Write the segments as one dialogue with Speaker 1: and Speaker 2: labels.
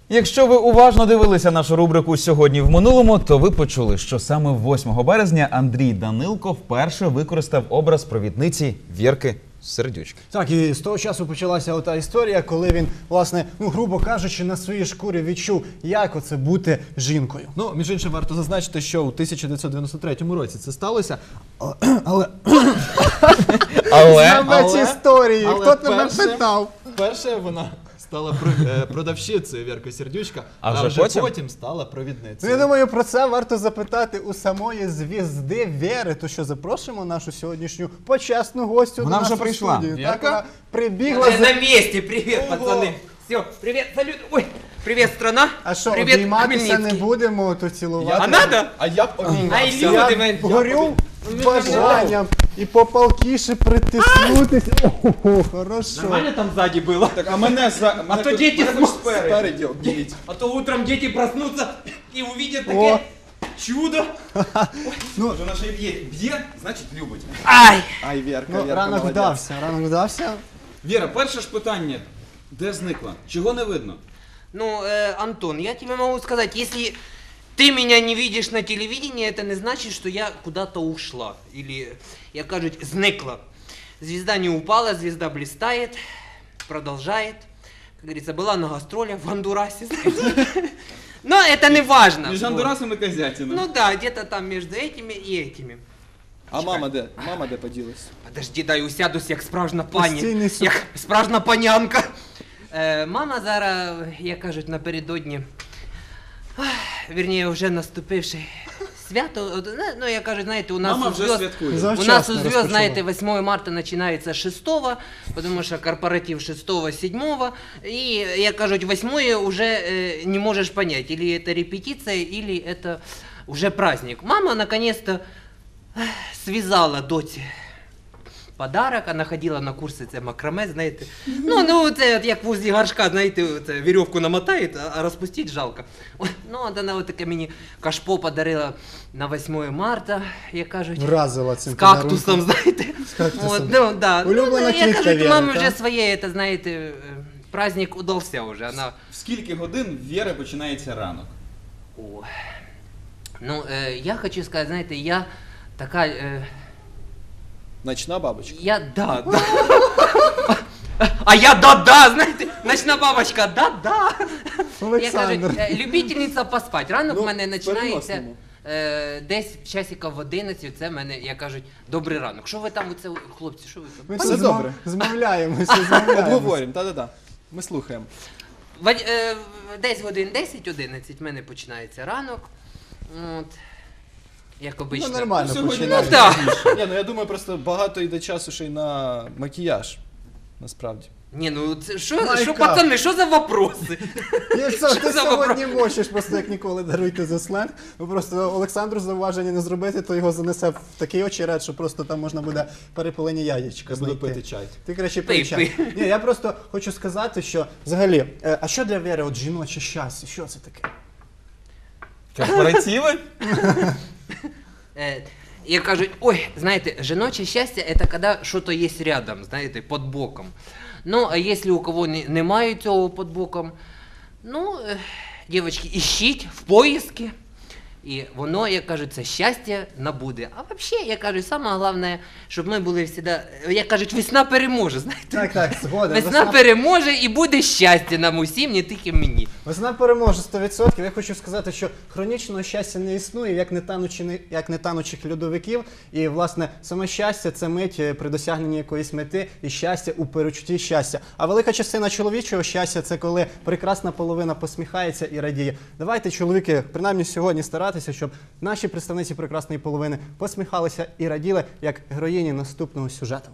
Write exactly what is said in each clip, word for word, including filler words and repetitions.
Speaker 1: Якщо ви уважно дивилися нашу рубрику «Сьогодні в минулому», то ви почули, що саме восьмого березня Андрій Данилко вперше використав образ провідниці Вірки Сердючки.
Speaker 2: Так, і з того часу почалася ота історія, коли він, власне, ну, грубо кажучи, на своїй шкурі відчув, як оце бути жінкою.
Speaker 3: Ну, між іншим, варто зазначити, що у тисяча дев'ятсот дев'яносто третьому році це сталося, але...
Speaker 1: Але...
Speaker 2: Знавець історії,
Speaker 3: але
Speaker 2: хто тебе
Speaker 3: перше-
Speaker 2: питав?
Speaker 3: Вперше вона стала про- е, продавщицею Вірка Сердючка,
Speaker 1: А
Speaker 3: а
Speaker 1: вже
Speaker 3: вже
Speaker 1: потім?
Speaker 3: потім стала
Speaker 2: Ну,
Speaker 3: провідницею.
Speaker 2: я думаю, про це варто запитати у самої звізди Вєри. То що, запрошуємо нашу сьогоднішню почесну гостю
Speaker 1: Вона
Speaker 2: до нас
Speaker 1: вже
Speaker 2: у
Speaker 1: прийшла.
Speaker 2: студію. Так,
Speaker 3: Вірка?
Speaker 2: вона прибігла.
Speaker 4: Уже
Speaker 2: за-
Speaker 4: на месте, привет, пацаны. Все, привет, салют. Ой, привет, страна.
Speaker 2: А що,
Speaker 4: привет,
Speaker 2: обійматися не
Speaker 4: Хмельницкий.
Speaker 2: будемо, то цілувати?
Speaker 4: А надо?
Speaker 3: А я б обіймався.
Speaker 4: Ай, люди,
Speaker 2: Я
Speaker 4: мен.
Speaker 2: горю бажанням і попалкіше притиснутися. Ого, хорошо.
Speaker 4: Нормально там сзади было?
Speaker 1: Так, а мене за...
Speaker 4: А то дети см-
Speaker 3: Спереді обійміть.
Speaker 4: А то утром дети проснутся и увидят
Speaker 2: О.
Speaker 4: такое чудо.
Speaker 1: Вона ще й б'є. Б'є, значить любить.
Speaker 4: Ай!
Speaker 3: Ай, Вірка,
Speaker 2: Ну,
Speaker 3: Вірка,
Speaker 2: ранок
Speaker 3: молодець.
Speaker 2: вдався, ранок вдався.
Speaker 1: Віра, перше ж питання. Де зникла? Чого не видно?
Speaker 4: Ну, э, Антон, я тебе могу сказать, если ты меня не видишь на телевидении, это не значит, что я куда-то ушла. Или, я кажуть, зникла. Звезда не упала, звезда блистает, продолжает. Как говорится, была на гастролях в Гондурасе, знаете. Но это не важно.
Speaker 1: Між
Speaker 4: Вот.
Speaker 1: Андурасом і Козятином.
Speaker 4: Ну да, где-то там между этими и этими.
Speaker 3: А мама де? Мама де поділась?
Speaker 4: Подожди, дай усядусь, як справжня пані.
Speaker 2: Постійний суп.
Speaker 4: Як справжня панянка. Е, мама зараз, як кажуть, напередодні, ах, вірніше, вже наступивши свято, от, ну, як кажуть, знаєте, у нас
Speaker 1: Мама
Speaker 4: у
Speaker 1: вже
Speaker 4: зв'язку-
Speaker 1: святкує.
Speaker 4: У нас
Speaker 2: Завчасно
Speaker 4: у зв'язку,
Speaker 2: розпочала.
Speaker 4: знаете, восьмое марта начинается шестого, потому что корпоратив шестого, седьмого, и, як кажуть, восьмое уже э, не можешь понять, или это репетиция, или это уже праздник. Мама, наконец-то, ах, связала доте подарок, вона ходила на курси це макраме, знаєте. Ну, ну це от як возле горшка, знаєте, це вірьовку намотає, а- а розпустити жалко. Ой, ну, от вона от таке мені кашпо подарила на восьмое марта, як кажуть.
Speaker 2: Вразила цим
Speaker 4: З кактусом, знаєте.
Speaker 2: З кактусом.
Speaker 4: От, ну, да.
Speaker 2: Улюблена
Speaker 4: ну, я
Speaker 2: квітка
Speaker 4: кажу,
Speaker 2: Віри,
Speaker 4: мамі
Speaker 2: так?
Speaker 4: вже своє, це, знаєте, е, праздник удався вже. Вона...
Speaker 1: В скільки годин Віри починається ранок?
Speaker 4: О. Ну, е, я хочу сказати, знаєте, я така... Е,
Speaker 3: Ночна бабочка.
Speaker 4: Я да, да. А я да-да, знаєте, ночна бабочка, да-да. Я
Speaker 2: Олександр.
Speaker 4: кажу, е, любительниця поспати. Ранок
Speaker 3: Ну,
Speaker 4: в мене
Speaker 3: в
Speaker 4: починається
Speaker 3: переносному.
Speaker 4: е, десь часиків в одинадцять, це в мене, як кажуть, добрий ранок. Що ви там, оце, хлопці, що ви там?
Speaker 2: Ми
Speaker 3: Все
Speaker 2: тут
Speaker 3: добре.
Speaker 2: зма- змовляємося, змовляємося.
Speaker 3: Обговорюємо, та-да-да. Ми слухаємо.
Speaker 4: В, е, десь годин десять-одинадцять в мене починається ранок. От. Як
Speaker 2: Ну,
Speaker 4: обично.
Speaker 2: нормально
Speaker 1: Сьогодні
Speaker 2: починаємо.
Speaker 4: Ну, так.
Speaker 3: Ні, ну я думаю, просто багато йде часу ще й на макіяж. Насправді.
Speaker 4: Ні, ну це що,
Speaker 2: Майка.
Speaker 4: що пацани, що за вопроси?
Speaker 2: Якщо
Speaker 4: Що
Speaker 2: ти
Speaker 4: за
Speaker 2: сьогодні мочиш, просто як ніколи даруйте за сленг, бо просто Олександру зауваження не зробити, то його занесе в такий очеред, що просто там можна буде перепилені яєчка
Speaker 3: Я буду
Speaker 2: знайти.
Speaker 3: пити чай.
Speaker 2: Ти краще
Speaker 4: Пий,
Speaker 2: пий чай.
Speaker 4: пий.
Speaker 2: Ні, я просто хочу сказати, що взагалі, е, а що для Віри от жіноче щастя? Що це таке?
Speaker 1: Корпоративи?
Speaker 4: Э, И кажут, ой, знаете, жіноче счастье это когда что-то есть рядом, знаете, под боком. Ну, а если у кого не, немає цього под боком, ну, е, дівчатки, ищіть в поиске. І воно, як кажуть, це щастя набуде. А взагалі, я кажу, саме головне, щоб ми були завжди, як кажуть, весна переможе, знаєте.
Speaker 2: Так, так, згоден.
Speaker 4: Весна переможе і буде щастя нам усім, не тільки мені.
Speaker 2: Весна переможе сто відсотків. Я хочу сказати, що хронічного щастя не існує, як не, танучі, як не танучих льодовиків. І, власне, саме щастя – це мить е, при досягненні якоїсь мети і щастя у перечутті щастя. А велика частина чоловічого щастя – це коли прекрасна половина посміхається і радіє. Давайте, чоловіки, принаймні сьогодні старатися, щоб наші представниці прекрасної половини посміхалися і раділи, як героїні наступного сюжету.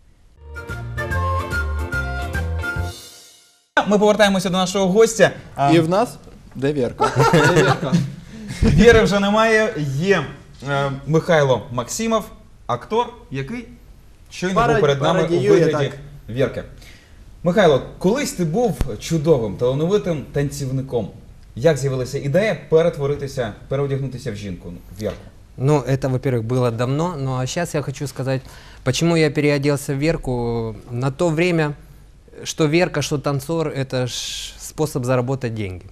Speaker 1: Ми повертаємося до нашого гостя. А,
Speaker 3: І в нас де Вірка? Де Вірка?
Speaker 1: Віри вже немає. Є е, Михайло Максимов, актор, який щойно був
Speaker 2: Парад-
Speaker 1: перед нами у
Speaker 2: пародіює,
Speaker 1: вигляді
Speaker 2: так.
Speaker 1: Вірки. Михайло, колись ти був чудовим, талановитим танцівником. Як з'явилася ідея перетворитися, переодягнутися в жінку, в Вірку?
Speaker 4: Ну, это, во-первых, было давно, ну а сейчас я хочу сказать, почему я переоделся в Верку. На то время, что Верка, что танцор, это ж способ заработать деньги.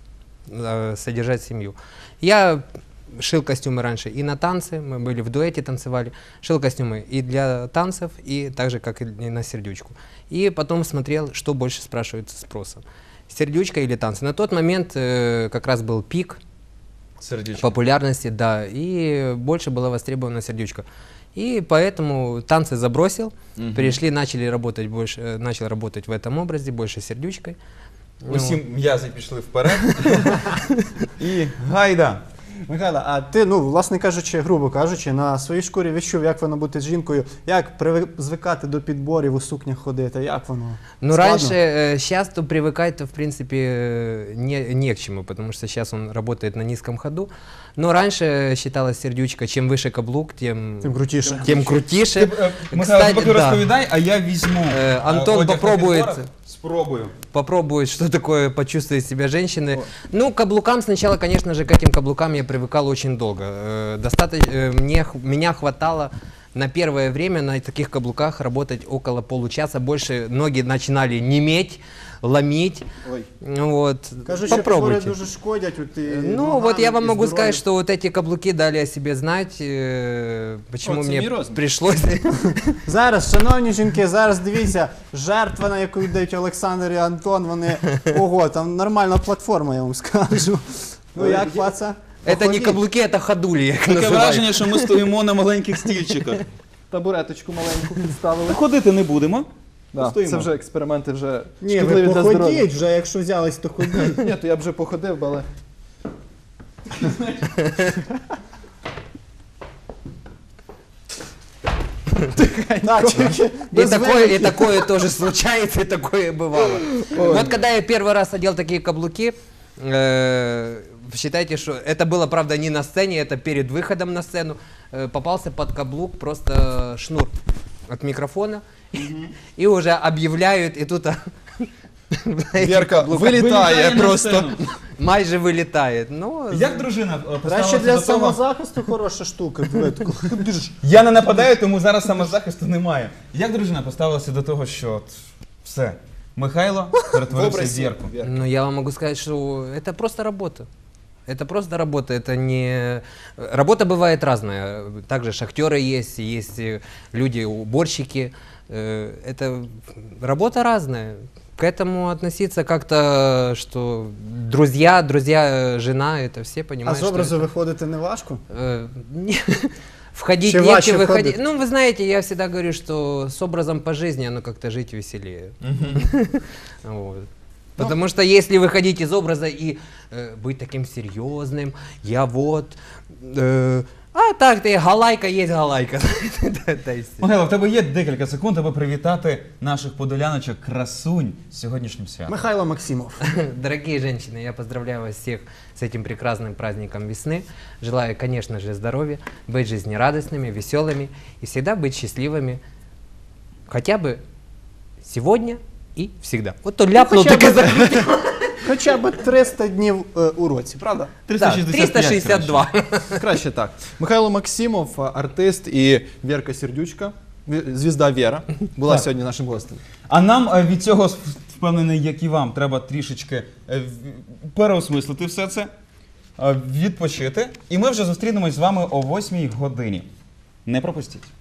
Speaker 4: э, содержать семью. Я шил костюмы раньше и на танцы, мы были в дуэте, танцевали, шил костюмы и для танцев, и так же, как и на сердючку. И потом смотрел, что больше спрашивается спросом. Сердючка или танцы. На тот момент э, как раз был пик
Speaker 1: Сердючка.
Speaker 4: популярности, да, и больше была востребована сердючка. И поэтому танцы забросил,
Speaker 1: Мгм.
Speaker 4: перешли, начали работать больше, э, начал работать в этом образе, больше сердючкой. Ну,
Speaker 1: Усі м'язи пішли вперед. І гайда.
Speaker 2: Михайло, а ти, ну, власне кажучи, грубо кажучи, на своїй шкурі відчув, як воно бути жінкою, як привик- звикати до підборів, у сукнях ходити, як воно?
Speaker 4: Ну,
Speaker 2: Складно?
Speaker 4: раньше, сейчас то привыкать-то, в принципе, э, не, не к чему, потому что сейчас он работает на низком ходу. Но раньше считалась сердючка, чем выше каблук, тем,
Speaker 2: Тим крутіше.
Speaker 4: тем крутіше.
Speaker 1: Ти, е, Михайло,
Speaker 4: Кстати,
Speaker 1: поки
Speaker 4: да.
Speaker 1: розповідай, а я візьму
Speaker 4: Е,
Speaker 1: е,
Speaker 4: Антон
Speaker 1: одяг на
Speaker 4: попробує
Speaker 1: підборах.
Speaker 4: це.
Speaker 1: Спробую.
Speaker 4: Попробует, что такое почувствовать себя женщиной. Ну, к каблукам сначала, конечно же, к этим каблукам я привыкал очень долго. Э, Достаточно, э, мне, х- меня хватало на первое время на таких каблуках работать около получаса. Больше ноги начинали неметь, ломить.
Speaker 2: Ой.
Speaker 4: Ну Вот.
Speaker 2: Кажуть, що підбори
Speaker 4: Попробуйте.
Speaker 2: дуже шкодять. От, і
Speaker 4: Ну,
Speaker 2: ногам,
Speaker 4: вот я вам
Speaker 2: і
Speaker 4: могу
Speaker 2: здоров'ю.
Speaker 4: сказать, что вот эти каблуки дали о себе знать, э, почему
Speaker 3: О, це
Speaker 4: мне
Speaker 3: мій розмір.
Speaker 4: пришлось.
Speaker 2: Зараз, шановні жінки, зараз дивіться, жертва, на яку йдуть Олександр і Антон, вони, ого, там нормальна платформа, я вам скажу. Ну як, паца?
Speaker 4: Это не
Speaker 2: Походіть.
Speaker 4: каблуки, это ходули, я их
Speaker 1: Таке
Speaker 4: называю.
Speaker 1: враження, що ми стоїмо на маленьких стільчиках.
Speaker 3: Табуреточку маленьку підставили.
Speaker 1: Ходити не будемо.
Speaker 3: Да,
Speaker 1: Постоїмо.
Speaker 3: це вже експерименти вже
Speaker 2: Ні, ви
Speaker 3: шкідливі для здоров'я.
Speaker 2: походіть вже, якщо взялись, то ходіть.
Speaker 3: Ні, то я б вже походив, але
Speaker 2: Так, тільки
Speaker 4: И
Speaker 2: без
Speaker 4: такое, и
Speaker 2: вилки.
Speaker 4: такое тоже случается, и такое бывало. Вот когда я первый раз одел такие каблуки, э, считайте, что это было, правда, не на сцене, это перед выходом на сцену, э, попался под каблук просто шнур от микрофона, и уже объявляют, и тут а,
Speaker 3: Вірка
Speaker 1: Вилітає
Speaker 3: вилітає
Speaker 1: на
Speaker 3: просто.
Speaker 1: сцену.
Speaker 4: майже вылетает. Ну,
Speaker 1: Як дружина е,
Speaker 2: Краще
Speaker 1: поставилася
Speaker 2: для
Speaker 1: до того?
Speaker 2: самозахисту хороша штука. диви, таку.
Speaker 1: Я не нападаю, тому зараз самозахисту немає. Як дружина поставилася до того, що от все, Михайло перетворився в зірку?
Speaker 4: Ну, я вам могу сказать, что это просто работа. Это просто работа, это не... Работа бывает разная. Также шахтеры есть, есть э, люди, уборщики. Э, Это работа разная. К этому относиться как-то, что друзья, друзья, э, жена, это все
Speaker 2: А
Speaker 4: понимают,
Speaker 2: з
Speaker 4: что
Speaker 2: образу
Speaker 4: это,
Speaker 2: виходити не важко?
Speaker 4: э, не- входить
Speaker 2: Чем
Speaker 4: легче,
Speaker 2: важче
Speaker 4: выходить.
Speaker 2: входить?
Speaker 4: Ну, вы знаете, я всегда говорю, что с образом по жизни оно как-то жить веселее. Вот. Потому что если выходить из образа и э, быть таким серьезным, я вот, э, а так ты галайка есть галайка. Да, да, и всё.
Speaker 1: Михайло, в тебе є декілька секунд, аби привітати наших подоляночок красунь з сьогоднішнім святом.
Speaker 2: Михайло Максимов.
Speaker 4: Дорогие женщины, я поздравляю вас всех с этим прекрасным праздником весны. Желаю, конечно же, здоровья, быть жизнерадостными, веселыми и всегда быть счастливыми. Хотя бы сегодня и всегда. Вот то ляпнул,
Speaker 2: хотя
Speaker 4: так и
Speaker 2: бы.
Speaker 4: закрутил.
Speaker 2: Хоча б триста днів е, у році, правда?
Speaker 4: Да, триста шестьдесят два.
Speaker 3: Краще так. Михайло Максимов, артист, і Вірка Сердючка, ві- звізда Віра, була
Speaker 1: Так.
Speaker 3: сьогодні нашим гостем.
Speaker 1: А нам е, від цього, впевнений, як і вам, треба трішечки е, в- переосмислити все це, е, відпочити. І ми вже зустрінемось з вами о восьмій годині. Не пропустіть.